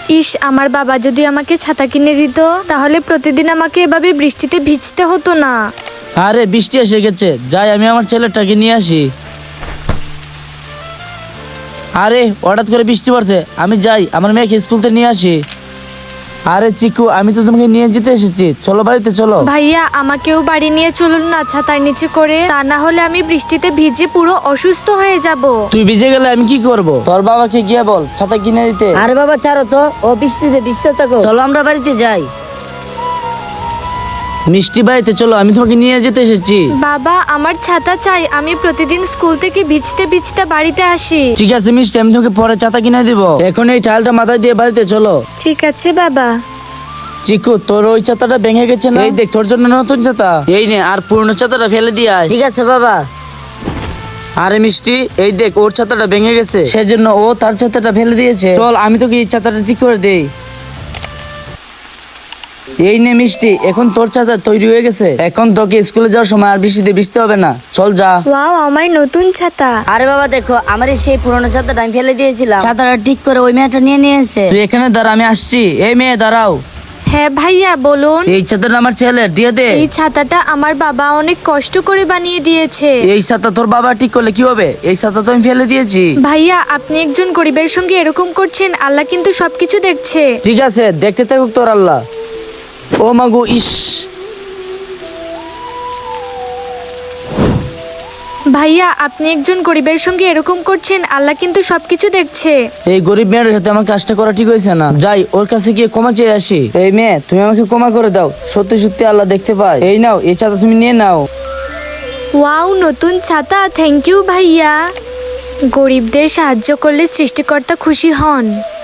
ইস, আমার বাবা যদি আমাকে ছাতা কিনে দিত তাহলে প্রতিদিন আমাকে এভাবে বৃষ্টিতে ভিজতে হতো না। আরে বৃষ্টি এসে গেছে, যাই আমি আমার ছেলেটাকে নিয়ে আসি। আরে হঠাৎ করে বৃষ্টি পড়ছে, আমি যাই আমার মেয়েকে স্কুল থেকে নিয়ে আসি। আরে চিকু, আমি তো তোমাকে নিয়ে যেতে এসেছি, চলো বাড়িতে চলো। ভাইয়া, আমাকেও বাড়ি নিয়ে চলুন না ছাতার নিচে করে, তা না হলে আমি বৃষ্টিতে ভিজে পুরো অসুস্থ হয়ে যাব। তুই ভিজে গেলে আমি কি করব? তোর বাবাকে গিয়ে বল ছাতা কিনে দিতে। আরে বাবা ছাড়ো তো, ও বৃষ্টিতে ভিজতে থাকো, চলো আমরা বাড়িতে যাই। মিষ্টি বাড়িতে চলো, আমি তোমাকে নিয়ে যেতে এসেছি। বাবা, আমার ছাতা চাই, আমি প্রতিদিন স্কুল থেকে ভিজতে ভিজতে বাড়িতে আসি। ঠিক আছে মিষ্টি, আমি তোমাকে পরে ছাতা কিনে দিব। এখন এই টাইলটা মাথায় দিয়ে বাড়িতে চলো। ঠিক আছে বাবা। চিকু, তোর ওই ছাতাটা ভেঙে গেছে না? এই দেখ তোর জন্য নতুন ছাতা, এই নে, আর পুরনো ছাতাটা ফেলে দিয়ে আয়। ঠিক আছে বাবা। আরে মিষ্টি, এই দেখ ওর ছাতাটা ভেঙে গেছে, সেজন্য ও তার ছাতাটা ফেলে দিয়েছে। চল আমি তোকে এই ছাতাটা ঠিক করে দেই। এই নে মিষ্টি, এখন তোর ছাতা তৈরি হয়ে গেছে, এখন তোকে স্কুলে যাওয়ার সময় আর বৃষ্টিতে ভিজতে হবে না। চল যা। ওয়াও, আমার নতুন ছাতা। আরে বাবা দেখো, আমার এই সেই পুরোনো ছাতাটা আমি ফেলে দিয়েছিলাম, ছাতাটা ঠিক করে ওই মেয়েটা নিয়ে নিয়েছে। তুই এখানে দাঁড়া, আমি আসছি। এই মেয়ে দাঁড়াও। হ্যাঁ ভাইয়া, বলুন। এই ছাতাটা আমার ছেলের, দিয়ে দে। এই ছাতাটা আমার বাবা অনেক কষ্ট করে বানিয়ে দিয়েছে। এই ছাতা তোর বাবা ঠিক করলে কি হবে? এই ছাতা তো আমি ফেলে দিয়েছি। ভাইয়া, আপনি একজন গরিবের সঙ্গে এরকম করছেন, আল্লাহ কিন্তু সবকিছু দেখছে। ঠিক আছে, দেখতে থাকুক তোর আল্লাহ। ও মাগো, ইস। ভাইয়া, আপনি একজন গরিবের সঙ্গে এরকম করছেন, আল্লাহ কিন্তু সবকিছু দেখছে। এই গরিব মেয়েটার সাথে আমার কাজটা করা ঠিক হয়েছে না। যাই ওর কাছে গিয়ে ক্ষমা চেয়ে আসি। এই মেয়ে, তুমি আমাকে ক্ষমা করে দাও, সত্যি সত্যি আল্লাহ দেখতে পায়। এই নাও, এই ছাতা তুমি নিয়ে নাও। ওয়াও, নতুন ছাতা, থ্যাংক ইউ ভাইয়া। গরিবদের সাহায্য করলে সৃষ্টিকর্তা খুশি হন।